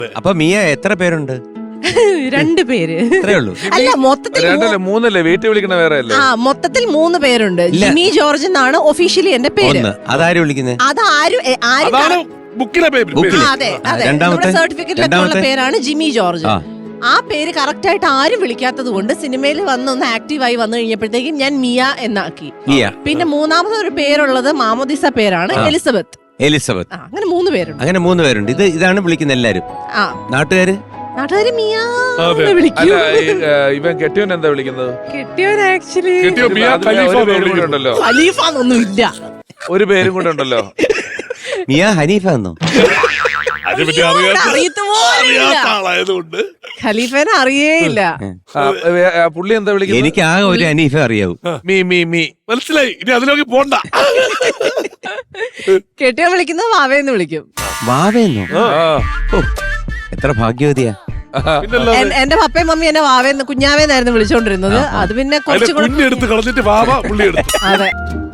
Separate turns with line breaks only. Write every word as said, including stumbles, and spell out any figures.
അപ്പൊ മിയ എത്ര പേരുണ്ട്?
രണ്ട് പേര്.
അത്രേ ഉള്ളൂ.
അല്ല മൊത്തത്തിൽ
രണ്ടല്ലേ മൂന്നല്ലേ വീട്ടിൽ വിളിക്കണ വേറെ അല്ലേ?
ആ മൊത്തത്തിൽ മൂന്ന് പേരുണ്ട്. ജിമ്മി ജോർജ് എന്നാണ് ഒഫീഷ്യലി എന്റെ പേര്.
അതാരും വിളിക്കുന്നത്?
അതാരും ആരും നമ്മുടെ സർട്ടിഫിക്കറ്റിലൊക്കെയുള്ള പേരാണ് ജിമ്മി ജോർജ്. ആ പേര് കറക്റ്റ് ആയിട്ട് ആരും വിളിക്കാത്തത് കൊണ്ട് സിനിമയിൽ വന്നൊന്ന് ആക്റ്റീവായി വന്നു കഴിഞ്ഞപ്പോഴത്തേക്കും ഞാൻ മിയ എന്നാക്കി. പിന്നെ മൂന്നാമത് ഒരു പേരുള്ളത് മാമോദിസ പേരാണ്, എലിസബത്ത്.
എലിസബത്ത്.
അങ്ങനെ മൂന്ന് പേരുണ്ട്.
അങ്ങനെ മൂന്ന് പേരുണ്ട്. ഇത് ഇതാണ് വിളിക്കുന്നത് എല്ലാരും.
ആ
നാട്ടുകാര്
നാട്ടുകാര് മിയ വിളിക്കും.
ഇവൻ കെട്ടിയോൻ എന്താ വിളിക്കുന്നത്?
കെട്ടിയോൻ ആക്ച്വലി
ഉണ്ടല്ലോ,
ഖലീഫ എന്നൊന്നും ഇല്ല,
ഒരു പേരും കൂടെ ഉണ്ടല്ലോ.
മിയ ഹനീഫ എന്നോ?
ഖലീഫേനെ അറിയേയില്ല.
പുള്ളി എന്താ വിളിക്കുന്നത്?
എനിക്ക് ആകെ ഒരു ഹനീഫ അറിയാവൂ.
മീ മീ മീ
മനസ്സിലായി. ഇനി അതിലേക്ക് പോണ്ട.
കെട്ടിയോ വിളിക്കുന്നത് വാവേന്ന് വിളിക്കും.
വാവേന്നോ? എത്ര ഭാഗ്യവതിയാ.
എന്റെ പപ്പയും മമ്മി എന്നെ വാവേന്ന് കുഞ്ഞാവേന്നായിരുന്നു വിളിച്ചോണ്ടിരുന്നത്. അത് പിന്നെ കുറച്ചുകൂടെ
എടുത്ത് കളഞ്ഞിട്ട് വാവ പുള്ളി എടുത്തു.
അതെ.